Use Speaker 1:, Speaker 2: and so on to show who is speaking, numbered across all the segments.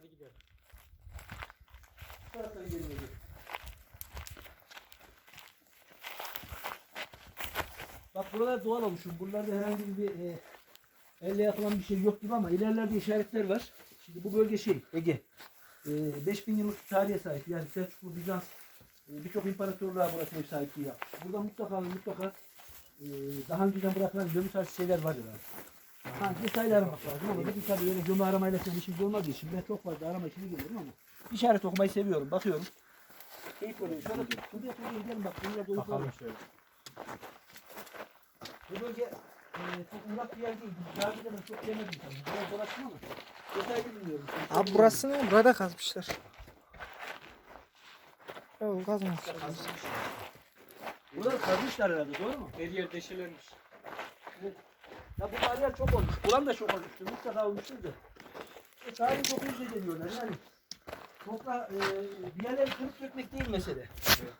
Speaker 1: Hadi gidelim.
Speaker 2: Bu taraftan gidelim hocam. Bak buralar doğal olmuşum. Buralarda herhangi bir elle yapılan bir şey yok gibi ama ilerlerde işaretler var. Şimdi bu bölge Ege. 5000 yıllık tarihe sahip. Yani Selçuklu, Bizans, birçok imparatorluğa burası ev sahipliği yapmış. Burada mutlaka daha önceden bırakılan gömü tarzı şeyler var yani. Ha, detaylı aramak lazım ama bir tabii öyle gömü aramayla falan işimiz olmadığı için ben çok fazla arama işine geliyorum ama işaret okumayı seviyorum. Bakıyorum. Keyif oluyor. Şöyle şuraya gidelim bak. Bunlar dolu.
Speaker 1: Bakalım şöyle.
Speaker 2: Bu bölge çok uzak bir yer değil. Daha önce de çok yemedim tabii. Biraz dolaştım ama detaylı bilmiyorum.
Speaker 3: Abi burası ne? Burada kazmışlar. Yok kazmamışlar.
Speaker 2: Buraları kazmışlar herhalde, doğru mu?
Speaker 1: Her yer deşelenmiş.
Speaker 2: Evet. Ya bu bariyer çok olmuş. Buran da çok olmuştur. Mutlaka olmuştur da. Tarihi çok hızlı deniyorlar. Yani toprağı bir yerleri kırıp dökmek değil mesele.
Speaker 1: Evet.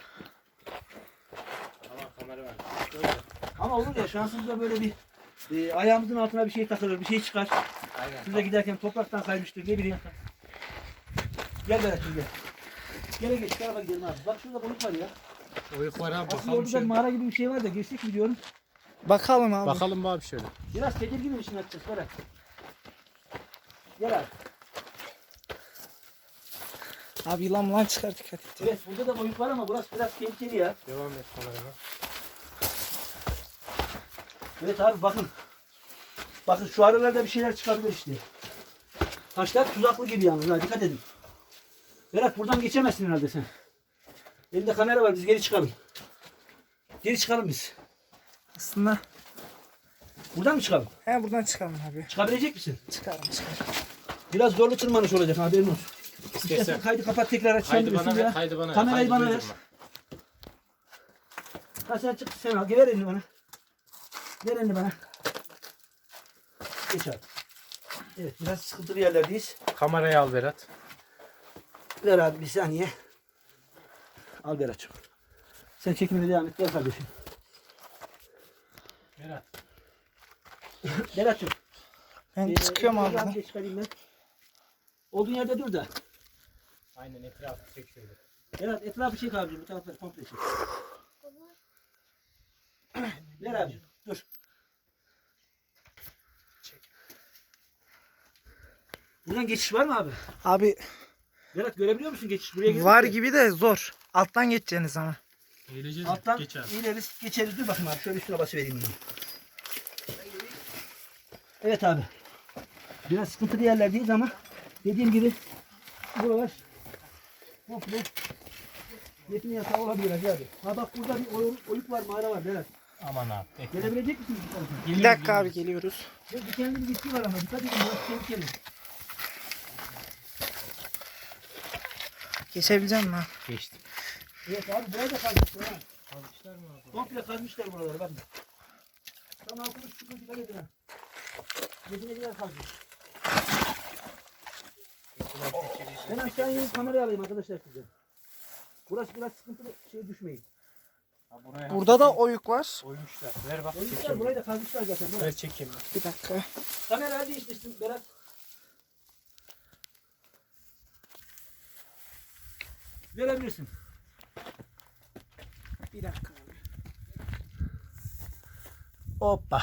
Speaker 1: Tamam, kamera var.
Speaker 2: Ama olur ya şansımızda böyle bir ayağımızın altına bir şey takılır, bir şey çıkar.
Speaker 1: Aynen.
Speaker 2: Şurada giderken topraktan kaymıştır, ne bileyim. Gel Berat'cığım gel. Gele geç, şu tarafa gidelim abi. Bak şurada balık var ya.
Speaker 1: Oyuk var abi,
Speaker 2: Aslında
Speaker 1: bakalım
Speaker 2: orada
Speaker 1: şöyle.
Speaker 2: mağara gibi bir şey var da geçtik mi diyorum.
Speaker 3: Bakalım abi.
Speaker 1: Bakalım abi şöyle.
Speaker 2: Biraz tedirgin misin açacağız Berat? Gel abi.
Speaker 3: Abi yılan çıkar dikkat et.
Speaker 2: Evet burada da boyut var ama burası biraz tehlikeli ya.
Speaker 1: Devam et kamerama.
Speaker 2: Evet abi bakın. Bakın şu aralarda bir şeyler çıkabilir işte. Taşlar tuzaklı gibi yalnız ha, dikkat edin. Berat buradan geçemezsin herhalde sen. Elinde kamera var, biz geri çıkalım. Geri çıkalım biz.
Speaker 3: Aslında
Speaker 2: Buradan mı çıkalım?
Speaker 3: he buradan çıkalım abi.
Speaker 2: Çıkabilecek misin?
Speaker 3: Çıkarım.
Speaker 2: Biraz zorlu tırmanış olacak, haberin olsun.
Speaker 1: İstersen
Speaker 2: İstersen kaydı kapat tekrar aç.
Speaker 1: kaydı
Speaker 2: sen
Speaker 1: bana
Speaker 2: bilirsin
Speaker 1: ver,
Speaker 2: ya.
Speaker 1: kaydı bana ver.
Speaker 2: Kamerayı
Speaker 1: Kaydı
Speaker 2: bana ver.
Speaker 1: duydurma.
Speaker 2: Ha sen çık, sen al. Ver elini bana. Ver elini bana. Geç abi. Evet biraz sıkıntılı yerlerdeyiz.
Speaker 1: Kamerayı al Berat.
Speaker 2: Ver abi bir saniye. Al Berat'cığım. Sen çekimine devam et. Gel kardeşim.
Speaker 1: Berat.
Speaker 2: Berat'cığım.
Speaker 3: Ben çıkıyorum abi.
Speaker 2: Bir de çıkarayım ben. Olduğun yerde dur da.
Speaker 1: Aynen, etrafı çek şöyle.
Speaker 2: Berat etrafı çek abicim. Bu tarafları komple çek. Ver abicim. Dur. Buradan geçiş var mı abi?
Speaker 3: Abi
Speaker 2: Berat görebiliyor musun geçiş? Buraya girdik
Speaker 3: var
Speaker 2: de.
Speaker 3: gibi de zor. Alttan geçeceğiniz ama.
Speaker 1: Eğileceğiz.
Speaker 2: Alttan
Speaker 1: Geç abi.
Speaker 2: ineriz, geçeriz. Dur bakayım abi. Şöyle üstüne basıvereyim bunu. Evet abi. Biraz sıkıntılı yerlerdeyiz ama dediğim gibi buralar komple yetim yatağı olabilir hacı abi. Ha bak burada bir oyuk var, mağara var Berat.
Speaker 1: Aman abi. Bekle.
Speaker 2: Gelebilecek misin bu tarafa?
Speaker 3: Bir dakika abi geliyoruz.
Speaker 2: Dikenli bir bitki var ama dikkat edin, biraz tehlikeli.
Speaker 3: Geçebileceğim mi abi?
Speaker 1: Geçtim.
Speaker 2: Evet abi burayı da kazmışlar ha.
Speaker 1: Almışlar mı abi?
Speaker 2: Komple kazmışlar buraları bakın. Tam altını sıkıntı dikkat edin ha. Yedine gider kazmış. Ben aşağı inip kamerayı alayım arkadaşlar size. Burası biraz sıkıntılı, şeye düşmeyin.
Speaker 1: Ha, buraya
Speaker 3: Burada da oyuk var.
Speaker 1: koymuşlar. Ver bak,
Speaker 2: Oyuncular
Speaker 1: çekeyim.
Speaker 2: burayı da kazmışlar zaten. Berat.
Speaker 1: Ver çekeyim.
Speaker 3: Bir dakika.
Speaker 2: Kamerayı değiştirsin Berat. Verebilirsin.
Speaker 3: Bir dakika abi.
Speaker 2: Hoppa.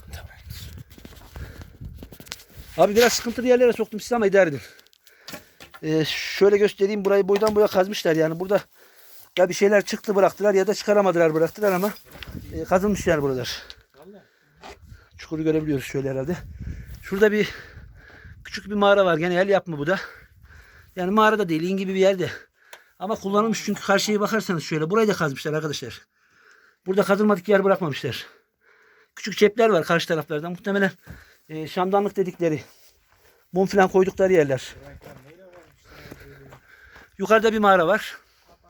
Speaker 2: Abi biraz sıkıntılı yerlere soktum sizi ama idare edin. Şöyle göstereyim, burayı boydan boya kazmışlar yani burada ya bir şeyler çıktı bıraktılar ya da çıkaramadılar bıraktılar ama kazılmış yer buralar. Çukuru görebiliyoruz şöyle herhalde. Şurada bir küçük bir mağara var, gene el yapımı bu da. Yani mağarada değil, in gibi bir yerde. Ama kullanılmış çünkü karşıya bakarsanız şöyle burayı da kazmışlar arkadaşlar. Burada kazılmadık yer bırakmamışlar. Küçük cepler var karşı taraflarda. Muhtemelen şamdanlık dedikleri mum falan koydukları yerler. Yukarıda bir mağara var.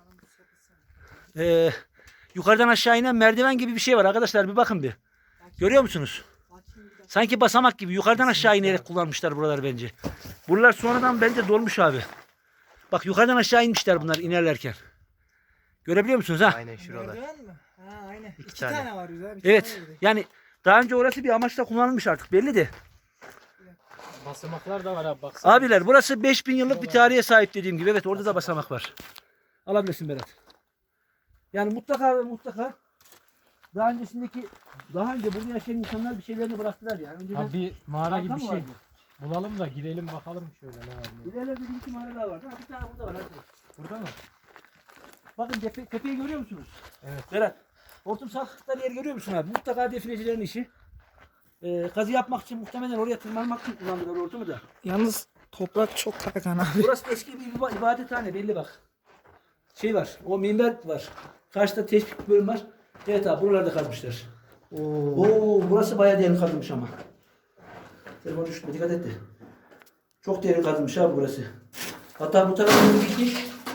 Speaker 2: Yukarıdan aşağı inen merdiven gibi bir şey var arkadaşlar, bir bakın bir. Görüyor musunuz? Sanki basamak gibi yukarıdan aşağı inerek kullanmışlar buraları bence. Buralar sonradan bence dolmuş abi. Bak yukarıdan aşağı inmişler bunlar inerlerken. Görebiliyor musunuz ha?
Speaker 1: Aynen şuralar.
Speaker 3: Merdiven mi? Ha aynen. İki
Speaker 1: tane.
Speaker 3: tane var güzel.
Speaker 2: Evet. Yani daha önce orası bir amaçla kullanılmış artık belli de.
Speaker 1: Basamaklar da var abi baksana.
Speaker 2: Abiler burası 5000 yıllık bir tarihe sahip dediğim gibi. Evet orada da basamak var. Alabilirsin Berat. Yani mutlaka ve mutlaka daha önce burada yaşayan insanlar bir şeylerini bıraktılar yani. Önceden
Speaker 1: Abi bir mağara gibi
Speaker 2: Arka
Speaker 1: bir
Speaker 2: mı
Speaker 1: şey.
Speaker 2: vardı?
Speaker 1: Bulalım da girelim bakalım şöyle ne var diye.
Speaker 2: İlerlerde bir iki mağara daha var. Ha, bir tane burada var. Hadi.
Speaker 1: Burada mı?
Speaker 2: Bakın tepeyi görüyor musunuz?
Speaker 1: Evet.
Speaker 2: Berat. Hortum sarkıkları yer görüyor musun abi? Mutlaka definecilerin işi. Kazı yapmak için muhtemelen oraya tırmanmak için kullandılar hortumu da.
Speaker 3: Yalnız toprak çok kaygan abi.
Speaker 2: Burası eski bir ibadethane belli bak. Şey var. O minber var. Karşıda tespit bölüm var. Evet abi buralarda kazmışlar. Oo, burası bayağı derin kazılmış ama. Telefon düştü. Dikkat et de. Çok derin kazılmış abi burası. Hatta bu tarafa doğru gitmiş.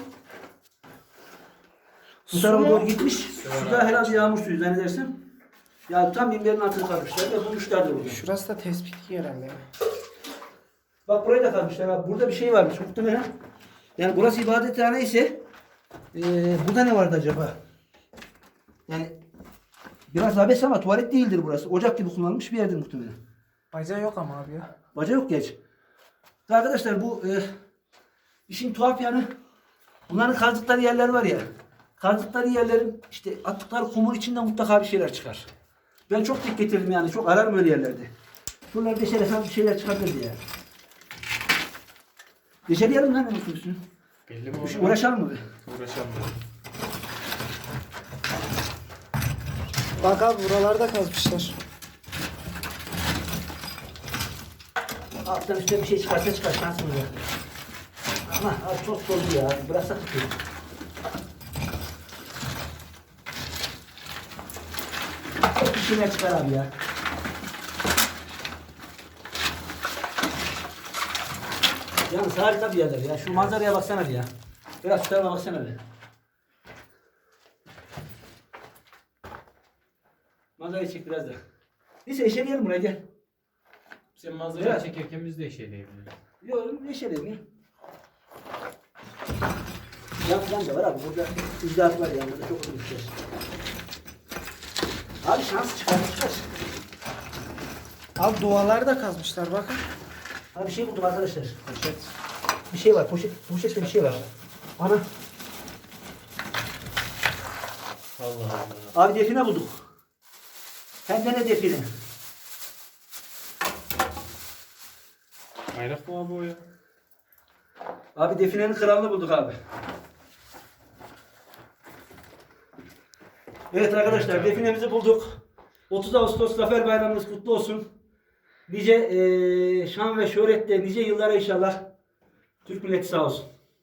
Speaker 2: Bu tarafa doğru gitmiş. Su da herhalde yağmur suyu zannedersem. Ya tam minberin altını kazmışlar ve bulmuşlardır burada.
Speaker 3: Şurası da tespitli herhalde.
Speaker 2: Bak burayı da kazmışlar abi. Burada bir şey varmış muhtemelen. Yani burası ibadethane ise burada ne vardı acaba? Yani biraz abes ama tuvalet değildir burası. Ocak gibi kullanılmış bir yerdir muhtemelen.
Speaker 3: Bacağı yok ama abi ya.
Speaker 2: Baca yok geç. Arkadaşlar bu işin tuhaf yanı bunların kazdıkları yerler var ya. Kazdıkları yerlerin işte attıkları kumun içinden mutlaka bir şeyler çıkar. Ben çok dik getirdim yani. Çok ararım öyle yerlerde. Buralarda deşeresen bir şeyler çıkabilir diye. Deşeleyelim mi lan hemen üstünü?
Speaker 1: Belli mi
Speaker 2: Uğraşalım mı?
Speaker 1: Uğraşalım.
Speaker 3: Bak abi buralarda kazmışlar.
Speaker 2: Alttan üstte bir şey çıkarsa çıkar şansımız var. Ama abi çok doldu ya. Bıraksak tutuyor. Çok bir şeyler çıkar abi ya. Yalnız harika bir yerler ya. Şu manzaraya baksana bir ya. Biraz şu tarafa baksana bir. Manzarayı çek biraz da. Neyse eşeleyelim buraya gel.
Speaker 1: Sen manzarayı
Speaker 2: Evet.
Speaker 1: çekerken biz de eşeleyebiliriz.
Speaker 2: Yok eşeleyelim ya. Yan falan da var abi. Burada icraat var ya. Burada çok uzun bir şey. Abi şans çıkar.
Speaker 3: Abi duvarları da kazmışlar bakın.
Speaker 2: Abi bir şey buldum arkadaşlar. Poşet. Bir şey var. Poşette bir şey var. Ana.
Speaker 1: Allah Allah.
Speaker 2: Abi define bulduk. Hem de ne define?
Speaker 1: Bayrak mı abi o ya?
Speaker 2: Abi definenin kralını bulduk abi. Evet arkadaşlar definemizi bulduk. 30 Ağustos Zafer Bayramınız kutlu olsun. Nice şan ve şöhretle nice yıllara inşallah. Türk milleti sağ olsun.